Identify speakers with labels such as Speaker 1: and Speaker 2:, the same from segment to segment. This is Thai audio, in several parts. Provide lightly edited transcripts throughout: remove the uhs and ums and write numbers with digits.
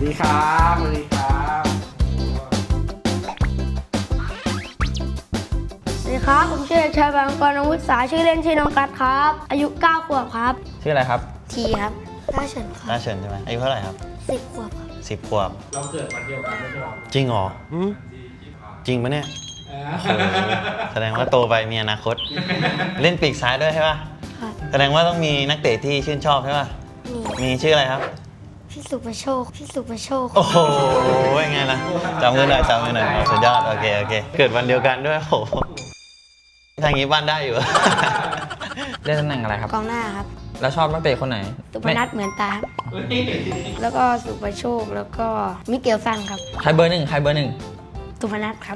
Speaker 1: ดีครับสวัสดีครับ
Speaker 2: สวัสดีครับผมชื่อเด็กชายบางกรอาวุธสาชื่อเล่นชื่อน้องกัดครับอายุ9 ขวบครับ
Speaker 3: ชื่ออะไรครับ
Speaker 2: ทีครับต้าเฉินครับ
Speaker 3: น่าเฉินใช่ไหมอายุเท่าไหร่ครับ
Speaker 2: 10 ขวบครับ
Speaker 3: 10 ขวบ
Speaker 1: เราเกิดวันเดียวกันไม่ใช่หรอ
Speaker 3: จริงเหรอจริงปะเนี่ยโอ้โหแสดงว่าโตไปมีอนาคต เล่นปีกซ้ายด้วยใช่ป่ะ
Speaker 2: ครับ
Speaker 3: แสดงว่าต้องมีนักเตะที่ชื่นชอบใช่ป่ะ มีชื่ออะไรครับ
Speaker 2: พี่สุประโชคพี่สุประโชค
Speaker 3: โอ้โหยังไงล่ะจำมือหน่อยจำมือหน่อยสุดยอดโอเคโอเค เกิดวันเดียวกันด้วยโอ้โหทางนี้บ้านได้อยู่
Speaker 4: เล่นตำแหน่งอะไรครับ
Speaker 2: กองหน้าครับ
Speaker 4: แล้วชอบนักเตะคนไหน
Speaker 2: สุพนัทเหมือนตาครับแล้วก็สุประโชคแล้วก็มิเกลซันครับ
Speaker 4: ใครเบอร์หนึ่งใครเบอร์หนึ่ง
Speaker 2: สุพนัทครับ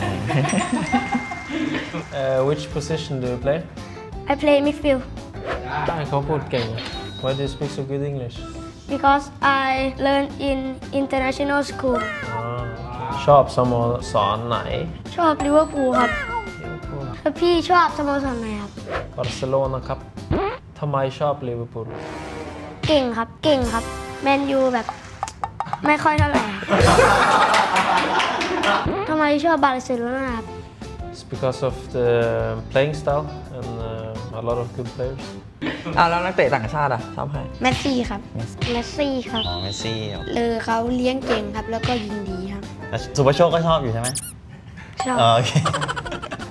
Speaker 5: Which position do you play?
Speaker 2: I play midfield
Speaker 5: ได้เขาพูดเก่ง Why do you speak so good English?
Speaker 2: because I learn in international school
Speaker 5: ชอบสโมสรไหน
Speaker 2: ชอบลิเวอร์พูลครับแล้วพี่ชอบสโมสรไหนครับ
Speaker 5: บาร์เซโลนาครับทำไมชอบลิเวอร์พูล
Speaker 2: เก่งครับเก่งครับแมนยูแบบไม่ค่อยเท่าไหร่ครับทำไมชอบบาร์เซโลนาครับ
Speaker 5: It's because of the playing style and a lot of good players
Speaker 4: แล้วนักเตะต่างชาติอ่ะชอบใคร
Speaker 2: เมสซี่ครับเมสซี่ครับ
Speaker 3: อ๋อเมสซี่
Speaker 2: เขาเลี้ยงเก่งครับแล้วก็ยิงดีครับ
Speaker 3: แล้วสุภโชคก็ชอบอยู่ใช่ไหม
Speaker 2: ชอบ
Speaker 3: อ๋อโอเค